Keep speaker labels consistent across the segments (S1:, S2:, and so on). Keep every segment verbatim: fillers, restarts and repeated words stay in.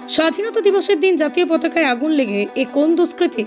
S1: স্বাধীনতা দিবসের দিন জাতীয় পতাকায় আগুন লেগে এ কোন দুষ্কৃতি?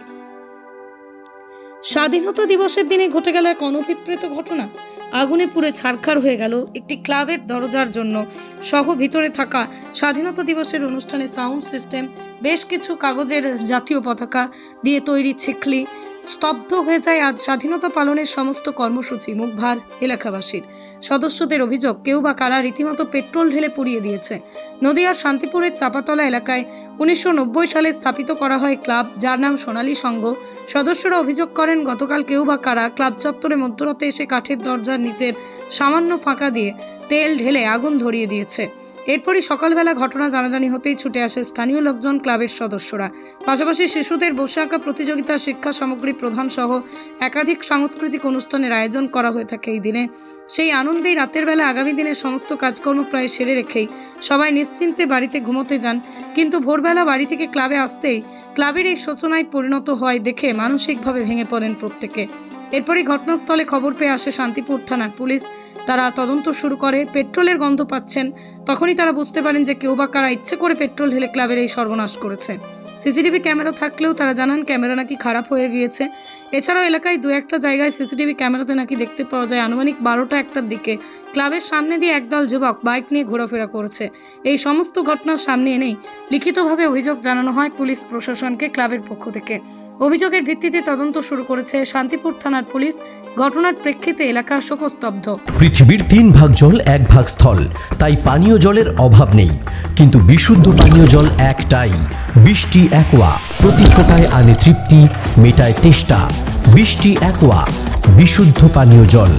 S1: স্বাধীনতা দিবসের দিনে ঘটে গেল এক অনভিপ্রেত ঘটনা। আগুনে পুড়ে ছারখার হয়ে গেল একটি ক্লাবের দরজার জন্য সহ ভিতরে থাকা স্বাধীনতা দিবসের অনুষ্ঠানে সাউন্ড সিস্টেম, বেশ কিছু কাগজের জাতীয় পতাকা দিয়ে তৈরি ছিকলি। স্তব্ধ হয়ে যায় আজ স্বাধীনতা পালনের সমস্ত কর্মসূচি। মুখভার এলাকাবাসীর। সদস্যদের অভিযোগ, কেউ বা কারা রীতিমতো পেট্রোল ঢেলে পুড়িয়ে দিয়েছে। নদিয়ার শান্তিপুরের চাপাতলা এলাকায় উনিশশো নব্বই সালে স্থাপিত করা হয় ক্লাব, যার নাম সোনালী সংঘ। সদস্যরা অভিযোগ করেন, গতকাল কেউ বা কারা ক্লাব চত্বরে মধ্যরাতে এসে কাঠের দরজার নিচের সামান্য ফাঁকা দিয়ে তেল ঢেলে আগুন ধরিয়ে দিয়েছে। এরপরই সকালবেলা ঘটনা জানাজানি হতেই ছুটে আসে স্থানীয় লোকজন, ক্লাবের সদস্যরা। পাশাপাশি শিশুদের বসে আঁকা প্রতিযোগিতা, শিক্ষা সামগ্রী প্রদান সহ একাধিক সাংস্কৃতিক অনুষ্ঠানের আয়োজন করা হয়ে থাকে এই দিনে। সেই আনন্দেই রাতের বেলা আগামী দিনের সমস্ত কাজকর্ম প্রায় সেরে রেখেই সবাই নিশ্চিন্তে বাড়িতে ঘুমোতে যান। কিন্তু ভোরবেলা বাড়ি থেকে ক্লাবে আসতেই ক্লাবের এই শোচনায় পরিণত হয় দেখে মানসিকভাবে ভেঙে পড়েন প্রত্যেকে। এরপরই ঘটনাস্থলে খবর পেয়ে আসে শান্তিপুর থানার পুলিশ। তারা তদন্ত শুরু করে। পেট্রোলের গন্ধ পাচ্ছেন, তখনই তারা বুঝতে পারেন যে কেউ বা কারা ইচ্ছে করে পেট্রোল ঢেলে ক্লাবের এই সর্বনাশ করেছে। সিসিটিভি ক্যামেরা থাকলেও তারা জানান ক্যামেরা নাকি খারাপ হয়ে গিয়েছে। এছাড়াও এলাকায় দু একটা জায়গায় সিসিটিভি ক্যামেরাতে নাকি দেখতে পাওয়া যায় আনুমানিক বারোটা একটার দিকে ক্লাবের সামনে দিয়ে একদল যুবক বাইক নিয়ে ঘোরাফেরা করছে। এই সমস্ত ঘটনার সামনে এনেই লিখিতভাবে অভিযোগ জানানো হয় পুলিশ প্রশাসনকে ক্লাবের পক্ষ থেকে। অভিযোগের ভিত্তিতে তদন্ত শুরু করেছে শান্তিপুর থানার পুলিশ। ঘটনার প্রেক্ষিতে এলাকা শোকস্তব্ধ।
S2: পৃথিবীর তিন ভাগ জল এক ভাগ স্থল, তাই পানীয় জলের অভাব নেই। কিন্তু বিশুদ্ধ পানীয় জল একটাই, বৃষ্টি অ্যাকোয়া। প্রতি ফোঁটায় আনে তৃপ্তি, মেটায় তেষ্টা। বৃষ্টি অ্যাকোয়া, বিশুদ্ধ পানীয় জল।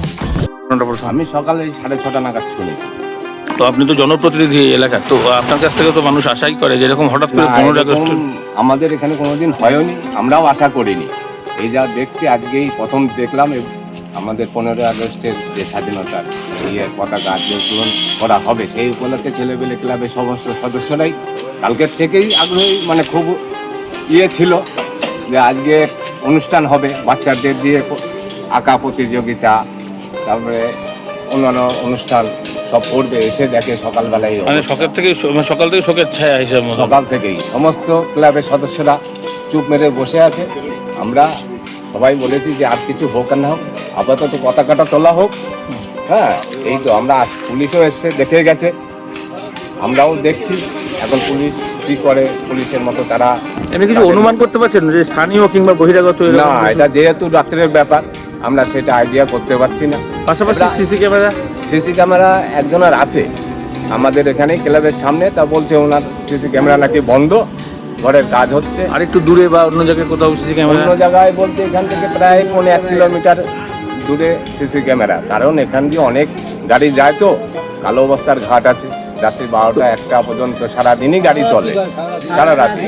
S3: আমি সকালে সাড়ে ছটা নাগাদ শুনেছি।
S4: তো আপনি তো জনপ্রতিনিধি এলাকার, তো আপনার কাছ থেকে তো মানুষ আশাই করে যেরকম হঠাৎ করে পনেরো আগস্ট
S3: আমাদের এখানে কোনোদিন হয়নি, আমরাও আশা করিনি। এই যা দেখছি আজকেই প্রথম দেখলাম। আমাদের পনেরো আগস্টের যে স্বাধীনতার ইয়ে পতাকা আজকে উত্তোলন করা হবে, সেই উপলক্ষে ছেলেপেলে ক্লাবের সমস্ত সদস্যরাই কালকের থেকেই আগ্রহী, মানে খুব ইয়ে ছিল যে আজকে অনুষ্ঠান হবে, বাচ্চাদের দিয়ে আঁকা প্রতিযোগিতা, তারপরে অন্যান্য অনুষ্ঠান সব করবে। এসে দেখে সকালবেলায়,
S4: মানে সকাল থেকে সকাল থেকে শোকের ছায়া হিসেবে
S3: সকাল থেকেই সমস্ত ক্লাবের সদস্যরা চুপ মেরে বসে আছে। আমরা সবাই বলেছি যে আর কিছু হোক আর না হোক, আপাতত পতাকাটা তোলা হোক। হ্যাঁ, এই তো আমরা, পুলিশও এসছে, দেখে গেছে, আমরাও দেখছি। এখন পুলিশ কি করে, পুলিশের মতো তারা।
S4: এমনি কিছু অনুমান করতে পারছেন যে স্থানীয় কিংবা বহিরাগত?
S3: না, এটা যেহেতু রাত্রের ব্যাপার, আমরা সেটা আইডিয়া করতে পারছি না।
S4: পাশাপাশি সিসি ক্যামেরা
S3: সিসি ক্যামেরা একজনের আছে আমাদের এখানে ক্লাবের সামনে, তা বলছে ওনার সিসি ক্যামেরা নাকি বন্ধ, ঘরের কাজ হচ্ছে।
S4: আর একটু দূরে বা অন্য জায়গায় কোথাও সিসি ক্যামেরা?
S3: অন্য জায়গায় বলতে এখান থেকে প্রায় পৌনে এক কিলোমিটার দূরে সিসি ক্যামেরা, কারণ এখান দিয়ে অনেক গাড়ি যায়, তো কালো অবস্থার ঘাট আছে। রাত্রি বারোটা একটা পর্যন্ত সারাদিনই গাড়ি চলে, সারা রাত্রি।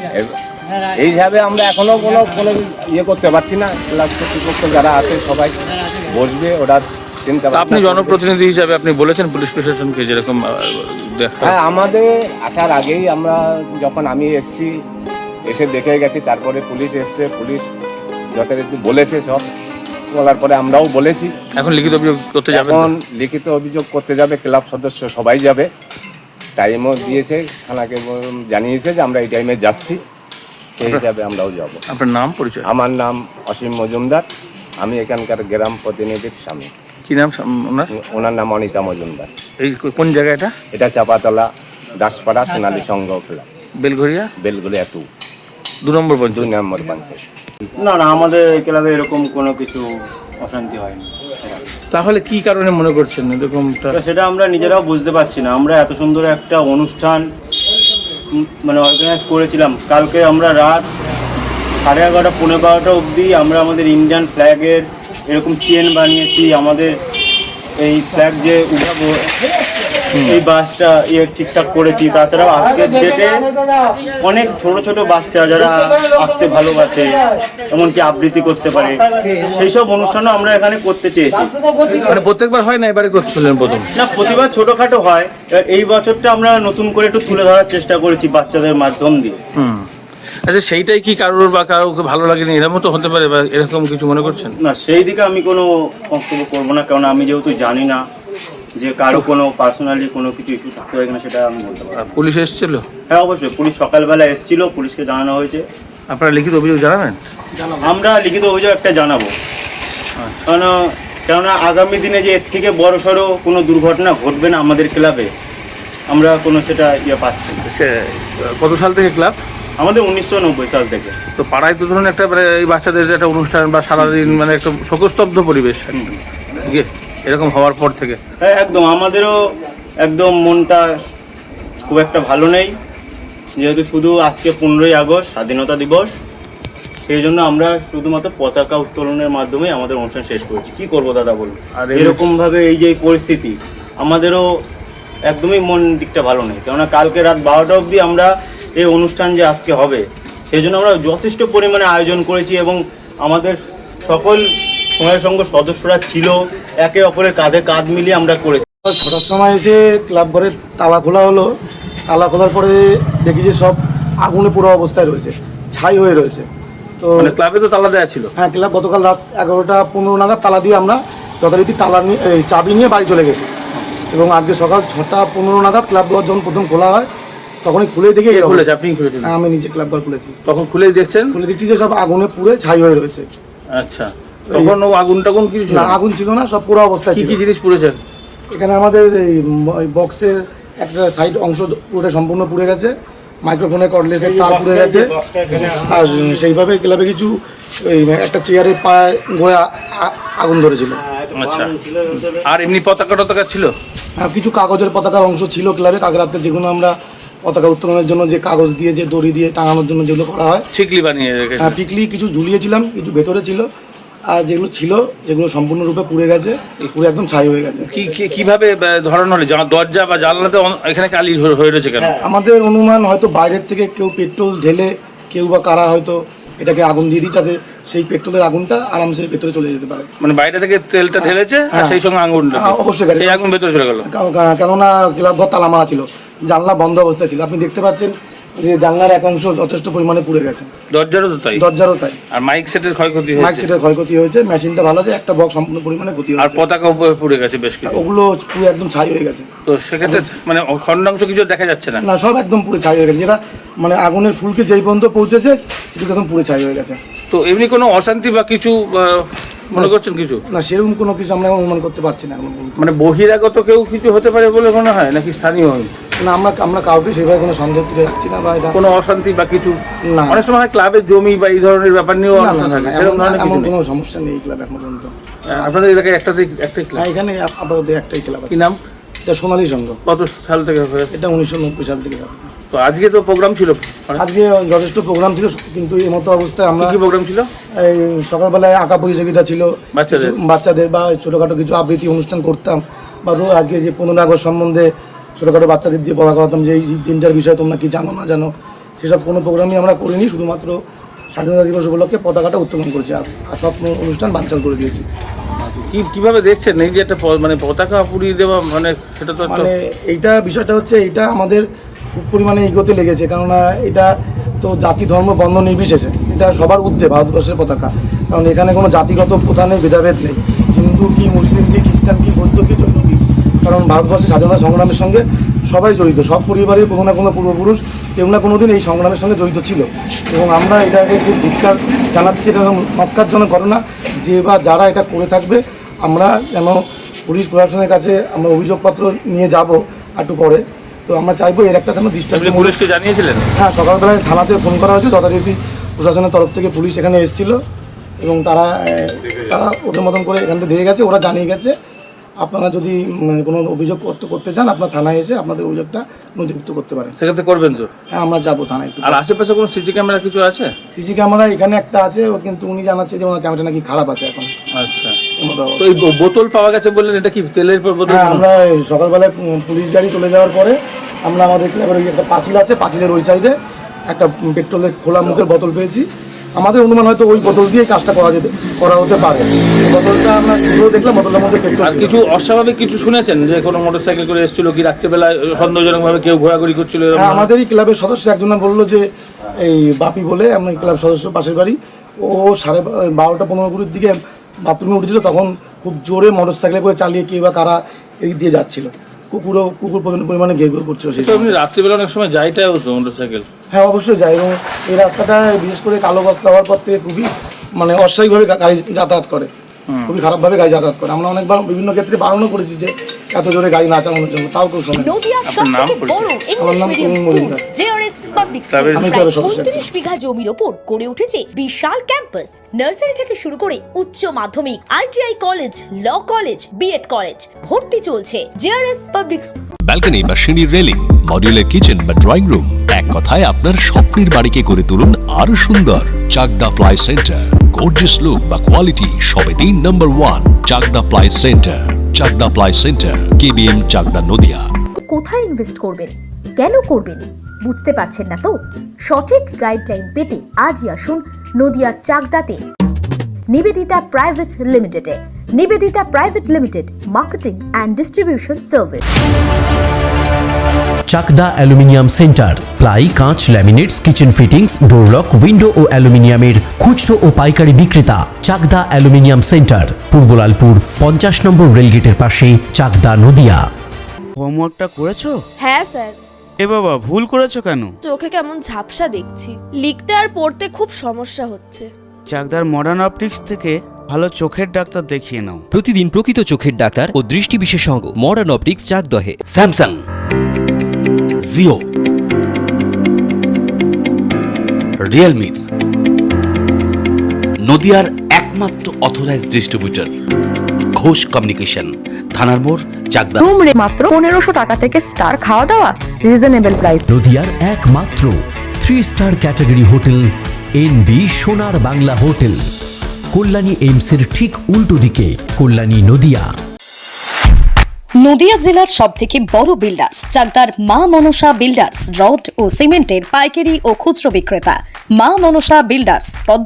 S3: এইভাবে আমরা এখনো কোনো কোনো ইয়ে করতে পারছি না। ক্লাব কর্তৃপক্ষ যারা আছে সবাই বসবে, ওরা চিন্তা।
S4: আপনি জনপ্রতিনিধি হিসাবে আপনি বলেছেন পুলিশ প্রশাসনকে যেরকম?
S3: হ্যাঁ, আমাদের আসার আগেই আমরা, যখন আমি এসছি, এসে দেখে গেছি, তারপরে পুলিশ এসছে, পুলিশ যথারীতি বলেছে, সব বলার পরে আমরাও বলেছি।
S4: এখন লিখিত অভিযোগ করতে যাবে?
S3: এখন লিখিত অভিযোগ করতে যাবে, ক্লাব সদস্য সবাই যাবে। টাইমও দিয়েছে, থানাকে জানিয়েছে যে আমরা এই টাইমে যাচ্ছি, সেই হিসাবে আমরাও যাব।
S4: আপনার নাম, পরিচয়?
S3: আমার নাম অসীম মজুমদার, আমি এখানকার গ্রাম প্রতিনিধির স্বামী।
S4: কি নাম ওনার?
S3: ওনার নাম অনিতা মজুমদার।
S4: এই কোন জায়গা এটা?
S3: এটা চাপাতলা দাসপাড়া সোনালী সংঘ ক্লাব,
S4: বেলঘরিয়া
S3: বেলগুলিয়া টু,
S4: দু নম্বর পঞ্চায়েত।
S3: দুই নম্বর পঞ্চায়েত।
S5: না না, আমাদের ক্লাবে এরকম কোনো কিছু অশান্তি হয়নি।
S4: তাহলে কি কারণে মনে করছেন এরকমটা?
S5: সেটা আমরা নিজেরাও বুঝতে পারছি না। আমরা এত সুন্দর একটা অনুষ্ঠান মানে অর্গানাইজ করেছিলাম, কালকে আমরা রাত সাড়ে এগারোটা পনেরো বারোটা অবধি আমরা আমাদের ইন্ডিয়ান ফ্ল্যাগের এরকম চেন বানিয়েছি। আমাদের এই ফ্ল্যাগ যে উঠাবো, এই বাসটা ইয়ে ঠিকঠাক করেছি। তাছাড়াও আজকের ডেটে অনেক ছোট ছোট বাচ্চা যারা আঁকতে ভালোবাসে, এমনকি আবৃত্তি করতে পারে, সেই সব অনুষ্ঠানও আমরা এখানে করতে চেয়েছি।
S4: মানে প্রত্যেকবার হয় না, এবারে করছিলেন প্রথম?
S5: না, প্রতিবার ছোটখাটো হয়। এই বছরটা আমরা নতুন করে একটু তুলে ধরার চেষ্টা করেছি বাচ্চাদের মাধ্যম দিয়ে।
S4: হুম, আচ্ছা, সেইটাই কি কারোর বা কারোকে ভালো লাগেনি এরকম তো হতে পারে, বা এরকম কিছু মনে করছেন?
S5: না, সেই দিকে আমি কোনো বক্তব্য করবো না, কারণ আমি যেহেতু জানি না যে কারো কোনো পার্সোনালি কোনো কিছু ইস্যু থাকতে পারে কিনা সেটা আমি বলতে পারি।
S4: আর পুলিশ এসেছিল?
S5: হ্যাঁ অবশ্যই, পুলিশ সকালবেলা এসেছিল, পুলিশকে জানানো হয়েছে।
S4: আপনারা লিখিত অভিযোগ জানাবেন?
S5: আমরা লিখিত অভিযোগ একটা জানাবো, কারণ কেননা আগামী দিনে যে এর থেকে বড় সড়ো কোনো দুর্ঘটনা ঘটবে না আমাদের ক্লাবে, আমরা কোনো সেটা ইয়ে পাচ্ছি না।
S4: সে কত সাল থেকে ক্লাব?
S5: আমাদের উনিশশো নব্বই সাল থেকে।
S4: তো পাড়ায় তো ধরুন একটা মানে এই বাচ্চাদের একটা অনুষ্ঠান বা সারাদিন মানে একটা শোকস্তব্ধ পরিবেশ ইয়ে এরকম হওয়ার পর থেকে।
S5: হ্যাঁ একদম, আমাদেরও একদম মনটা খুব একটা ভালো নেই, যেহেতু শুধু আজকে পনেরোই আগস্ট স্বাধীনতা দিবস, সেই জন্য আমরা শুধুমাত্র পতাকা উত্তোলনের মাধ্যমে আমাদের অনুষ্ঠান শেষ করেছি। কি করবো দাদা বলুন,
S4: আর
S5: এরকমভাবে এই যে এই পরিস্থিতি, আমাদেরও একদমই মন দিকটা ভালো নেই। কেননা কালকে রাত বারোটা অবধি আমরা এই অনুষ্ঠান যে আজকে হবে সেই জন্য আমরা যথেষ্ট পরিমাণে আয়োজন করেছি এবং আমাদের সকল সময়ের সঙ্গে সদস্যরা ছিল, একে অপরের কাঁধে কাঁধ মিলিয়ে আমরা করেছি।
S6: ছটার সময় এসে ক্লাব ঘরের তালা খোলা হলো, তালা খোলার পরে দেখি যে সব আগুনে পুরো অবস্থায় রয়েছে, ছাই হয়ে রয়েছে। তো
S4: মানে ক্লাবে তো তালা দেওয়া ছিল?
S6: হ্যাঁ, ক্লাব গতকাল রাত এগারোটা পনেরো নাগাদ তালা দিয়ে আমরা যথারীতি তালা নিয়ে এই চাবি নিয়ে বাড়ি চলে গেছি এবং আজকে সকাল ছটা পনেরো নাগাদ ক্লাব ঘর যখন প্রথম খোলা হয় তখনই খুলে দেখে
S4: কে খুলেছে? আপনি খুলেছেন?
S6: আমি নিজে ক্লাব ঘর খুলেছি।
S4: তখন খুলেই দেখছেন?
S6: খুলে দেখছি যে সব আগুনে পুড়ে ছাই হয়ে রয়েছে।
S4: আচ্ছা, তখন ও আগুন টাগুন কিছু ছিল
S6: না,
S4: না?
S6: আগুন ছিল না, সব পুরো অবস্থায়
S4: কি
S6: ছিল।
S4: কি জিনিস পুড়েছে?
S6: এখানে আমাদের এই বক্সের একটা সাইড অংশ পুরোটা সম্পূর্ণ পুড়ে গেছে, মাইক্রোফোনের কর্ডলেসের তার পুড়ে গেছে, আর সেইভাবে ক্লাবে কিছু ওই একটা চেয়ারের পায়ে ঘোরে আগুন ধরেছিল।
S4: আচ্ছা, আর এমনি পতাকা টতাকা ছিল?
S6: আর কিছু কাগজের পতাকার অংশ ছিল ক্লাবে, কাগরাতে যেগুলো আমরা পতাকা উত্তোলনের জন্য যে কাগজ দিয়ে যে দড়ি দিয়ে টাঙানোর জন্য যেগুলো করা হয়,
S4: শিকলি বানিয়ে রেখেছে?
S6: হ্যাঁ, পিকলি কিছু ঝুলিয়েছিলাম, কিছু ভেতরে ছিল, আর যেগুলো ছিল যেগুলো সম্পূর্ণরূপে পুড়ে গেছে, পুরো একদম ছাই হয়ে গেছে।
S4: কি কি- কিভাবে বা- ধরানো হলো? যা- দরজা বা জানলাতে অন- এখানে কালি হয়ে হয়ে রয়েছে কেন?
S6: আমাদের অনুমান হয়তো বাইরের থেকে কেউ পেট্রোল ঢেলে কেউ বা কারা হয়তো এটাকে আগুন দিয়ে দিই যাতে সেই পেট্রোলের আগুনটা আরামসে ভেতরে চলে যেতে পারে।
S4: মানে বাইরে থেকে তেলটা ঢেলেছে আর
S6: হ্যাঁ।
S4: সেই সঙ্গে আগুনটা,
S6: হ্যাঁ, অবশ্যই গেছে।
S4: এই আগুন ভেতরে চলে গেল?
S6: কা- কা- কেননা ক্লাব ঘর তালা মারা ছিল, জানলা বন্ধ অবস্থায় ছিল, আপনি দেখতে পাচ্ছেন যে জানলার এক অংশ যথেষ্ট পরিমাণে পুড়ে গেছে,
S4: দরজারও তো তাই?
S6: দরজারও তাই।
S4: আর মাইক সেটের ক্ষয়ক্ষতি
S6: মাইক
S4: হয়েছে?
S6: সেটের ক্ষয়ক্ষতি হয়েছে, মেশিনটা ভালো আছে, একটা বক্স সম্পূর্ণ পরিমাণে ক্ষতি
S4: আর
S6: হয়েছে,
S4: পতাকা উপরে পুড়ে গেছে বেশ কিছু?
S6: ওগুলো পুরো একদম ছাই হয়ে গেছে।
S4: তো সেক্ষেত্রে মানে খণ্ডাংশ কিছু দেখা যাচ্ছে না?
S6: না, সব একদম পুরো ছাই হয়ে গেছে, যেটা মানে আগুনের ফুলকে যেই পর্যন্ত পৌঁছেছে সেটুকু একদম পুরো ছাই হয়ে গেছে।
S4: তো এমনি কোনো অশান্তি বা কিছু আহ, মনে করছেন কিছু?
S6: না, সেরকম কোনো কিছু আমরা অনুমান করতে পারছি না এখন পর্যন্ত।
S4: মানে বহিরাগত কেউ কিছু হতে পারে বলে মনে হয় নাকি স্থানীয়?
S6: না, আমরা আমরা কাউকে সেভাবে কোনো সন্দেহ তুলে রাখছি না বা এটা
S4: কোনো অশান্তি বা কিছু?
S6: না।
S4: অনেক সময় হয় ক্লাবের জমি বা এই ধরনের ব্যাপার নিয়েও
S6: না, না,
S4: আলোচনা
S6: না,
S4: থাকে,
S6: না,
S4: সেরকম
S6: এমন-
S4: ধরনের কিছু
S6: এমন
S4: নেই?
S6: কোনো সমস্যা নেই এই ক্লাব এখন পর্যন্ত।
S4: আপনাদের এলাকায় একটাতে একটাই ক্লাব?
S6: হ্যাঁ, এখানে আপ- আপাতত একটাই ক্লাব
S4: কি
S6: আছে,
S4: নাম?
S6: এটা সোনালী সংঘ,
S4: কত সাল থেকে হয়েছে?
S6: এটা উনিশশো নব্বই সাল থেকে হবে।
S4: তো আজকে তো প্রোগ্রাম ছিল,
S6: আজকে যথেষ্ট প্রোগ্রাম ছিল, কিন্তু এই মতো অবস্থায়
S4: কি
S6: আমরা
S4: কি প্রোগ্রাম ছিল?
S6: এই সকালবেলায় আঁকা প্রতিযোগিতা ছিল,
S4: বাচ্চাদের?
S6: কিছু বাচ্চাদের বা ছোটোখাটো কিছু আবৃত্তি অনুষ্ঠান করতাম, বা ধরো আজকে যে পনেরোই আগস্ট সম্বন্ধে ছোটোখাটো বাচ্চাদের দিয়ে বলা করতাম যে এই দিনটার বিষয়ে তোমরা কি জানো না জানো, সেসব কোনো প্রোগ্রামই আমরা করিনি, শুধুমাত্র স্বাধীনতা দিবস উপলক্ষে পতাকাটা উত্তোলন করেছি আর আর সব অনুষ্ঠান বানচাল করে দিয়েছি।
S4: কি কিভাবে দেখছেন এই যে একটা প- মানে পতাকা পুড়িয়ে দেওয়া, মানে সেটা তো একটা-
S6: মানে এইটা বিষয়টা হচ্ছে এইটা আমাদের খুব পরিমাণে ইগোতে লেগেছে, কেননা এটা তো জাতি ধর্ম বর্ণ নির্বিশেষে এটা সবার ঊর্ধ্বে ভারতবর্ষের পতাকা, কারণ এখানে কোনো জাতিগত প্রথা নেই, ভেদাভেদ নেই, হিন্দু কি মুসলিম কি খ্রিস্টান কি বৌদ্ধ কি জৈন কি, কারণ ভারতবর্ষের স্বাধীনতা সংগ্রামের সঙ্গে সবাই জড়িত, সব পরিবারের কোনো না কোনো পূর্বপুরুষ কেউ না কোনো দিন এই সংগ্রামের সঙ্গে জড়িত ছিল, এবং আমরা এটাকে খুব ধিক্কার জানাচ্ছি। এটা মক্কারজনক ঘটনা, যে বা যারা এটা করে থাকবে আমরা যেন পুলিশ প্রশাসনের কাছে আমরা অভিযোগপত্র নিয়ে যাব একটু পরে, তো আমরা চাইবো এর একটা যেন
S4: আপনি
S6: দৃষ্টান্ত।
S4: পুলিশকে জানিয়েছিলেন?
S6: হ্যাঁ, সকালবেলায় থানাতে ফোন করা হয়েছে, যথারীতি প্রশাসনের তরফ থেকে পুলিশ এখানে এসেছিল এবং তারা এ, তারা ওদের মতন করে এখান থেকে দিয়ে গেছে, ওরা জানিয়ে গেছে আপনারা যদি উম, কোনো অভিযোগ করতে করতে চান আপনার থানায় এসে আপনাদের অভিযোগটা নথিভুক্ত করতে পারেন।
S4: সেক্ষেত্রে করবেন তো?
S6: হ্যাঁ, আমরা যাবো থানায় একটু।
S4: আর আশেপাশে কোনো সিসি ক্যামেরা কিছু আছে?
S6: সিসি ক্যামেরা এখানে একটা আছে, ও কিন্তু উনি জানাচ্ছে যে ওনার ক্যামেরা নাকি খারাপ আছে এখন।
S4: আচ্ছা,
S6: এমন
S4: তো
S6: অবস্থা।
S4: এই ব- বোতল পাওয়া গেছে বললেন, এটা কি তেলের পর বোতল?
S6: হ্যাঁ, আমরা এই সকালবেলায় উম, পুলিশ গাড়ি চলে যাওয়ার পরে আমরা আমাদের ক্লাবের ওই একটা পাঁচিল আছে, পাঁচিলের ওই সাইডে একটা উম, পেট্রোলের খোলা মুখের বোতল পেয়েছি। আমাদের অনুমান হয়তো ওই বোতল দিয়েই কাজটা করা যেতে করা হতে পারে। বোতলটা আমরা শুরু দেখলাম, বোতলের মধ্যে পেট্রোল
S4: আর
S6: ছিল।
S4: কিছু অস্বাভাবিক কিছু শুনেছেন যে কোনো মোটরসাইকেল করে এসেছিল কি রাত্রেবেলা সন্দেহজনক ভাবে কেউ ঘোরাঘুরি করছিল এরকম?
S6: হ্যাঁ, আমাদেরই ক্লাবের সদস্য একজন বললো যে এই বাপি বলে আমি ক্লাব সদস্য পাশের বাড়ি, ও সাড়ে বা- বারোটা পনেরো কুড়ির দিকে বাথরুমে উঠেছিল, তখন খুব জোরে মোটর সাইকেলে করে চালিয়ে কেউ বা কারা এদিক দিয়ে যাচ্ছিল, কুকুরও কুকুর প্রচুর পরিমাণে ঘেউ ঘেউ করছিল সেই
S4: তো আপনি রাত্রিবেলা অনেক সময় যাইটাই হতো মোটরসাইকেল।
S6: হ্যাঁ অবশ্যই যায়, এবং এই রাস্তাটা বিশেষ করে কালো বস্তা হওয়ার পর থেকে খুবই মানে অস্বাভাবিকভাবে গাড়ি যাতায়াত করে, খুবই খারাপভাবে গাড়ি যাতায়াত করে। আমরা অনেকবার বিভিন্ন ক্ষেত্রে বারণও করেছি যে এত জোরে গাড়ি না চালানোর জন্য, তাও কেউ শোনে না।
S7: নদিয়ার
S4: আপনার নাম
S7: সবথেকে বড়
S6: আমার
S7: ইংলিশ
S6: নাম
S7: medium
S6: Kumud
S7: school
S6: Majumdar.
S7: JRS public
S4: তবে-
S7: স্কুল
S6: আমি
S7: প্রায়
S6: তেরো সদস্য।
S7: উনত্রিশ বিঘা জমির ওপর গড়ে উঠেছে বিশাল ক্যাম্পাস, নার্সারি থেকে শুরু করে উচ্চ মাধ্যমিক, ITI college, law college, BEd college, ভর্তি চলছে জেআরএস পাবলিক।
S8: ব্যালকনি বা সিঁড়ির রেলিং, মডিউলার কিচেন বা ড্রয়িং রুম, এক কথায় আপনার স্বপ্নের বাড়িকে করে তুলুন আরো সুন্দর। Chakdah ply centre, gorgeous look বা কোয়ালিটি সবে তিন number one. Chakdah ply centre, Chakdah ply centre, KBM, Chakdah, Nadia.
S9: কোথায় ইনভেস্ট করবেন, কেন করবেন বুঝতে পারছেন না তো? সঠিক গাইডলাইন পেতে আজই আসুন নদিয়ার চাকদাতে নিবেদিতা প্রাইভেট লিমিটেডে। Nivedita private limited, marketing and distribution service.
S2: Chakdah aluminium centre, ply, কাঁচ, laminates, kitchen fittings, door lock, window ও অ্যালুমিনিয়ামের খুচরো ও পাইকারি বিক্রেতা। চাকদা অ্যালুমিনিয়াম সেন্টার, পূর্বলালপুর পঞ্চাশ নম্বর রেলগেটের পাশে, চাকদা, নদিয়া।
S10: হোমওয়ার্কটা করেছো?
S11: হ্যাঁ স্যার।
S10: এ বাবা, ভুল করেছো কেন?
S11: চোখে কেমন ঝাপসা দেখছি, লিখতে আর পড়তে খুব সমস্যা হচ্ছে।
S10: চাকদার মডার্ন অপটিক্স থেকে ভালো চোখের ডাক্তার দেখিয়ে নাও।
S12: প্রতিদিন প্রকৃত চোখের ডাক্তার ও দৃষ্টি বিশেষজ্ঞ মডার্ন অপটিক্স, চাকদহে।
S8: স্যামসাং, জিও, রিয়েলমি, নদিয়ার একমাত্র অথরাইজড ডিস্ট্রিবিউটর ঘোষ কমিউনিকেশন, থানার মোড়, চাকদা।
S9: রুম রে মাত্র পনেরোশো টাকা থেকে স্টার, খাওয়া দাওয়া রিজনেবল প্রাইস।
S2: নদিয়ার একমাত্র three star category hotel N B Sonar Bangla hotel, Kalyani এইমসের ঠিক উল্টো দিকে, কল্যাণী, নদিয়া।
S7: নদিয়া জেলার সব থেকে বড় বিল্ডার্স চাকদার মা মনসা বিল্ডার্স, রড ও সিমেন্টের পাইকারি ও খুচরো বিক্রেতা। মা মনসা বিল্ডার্স,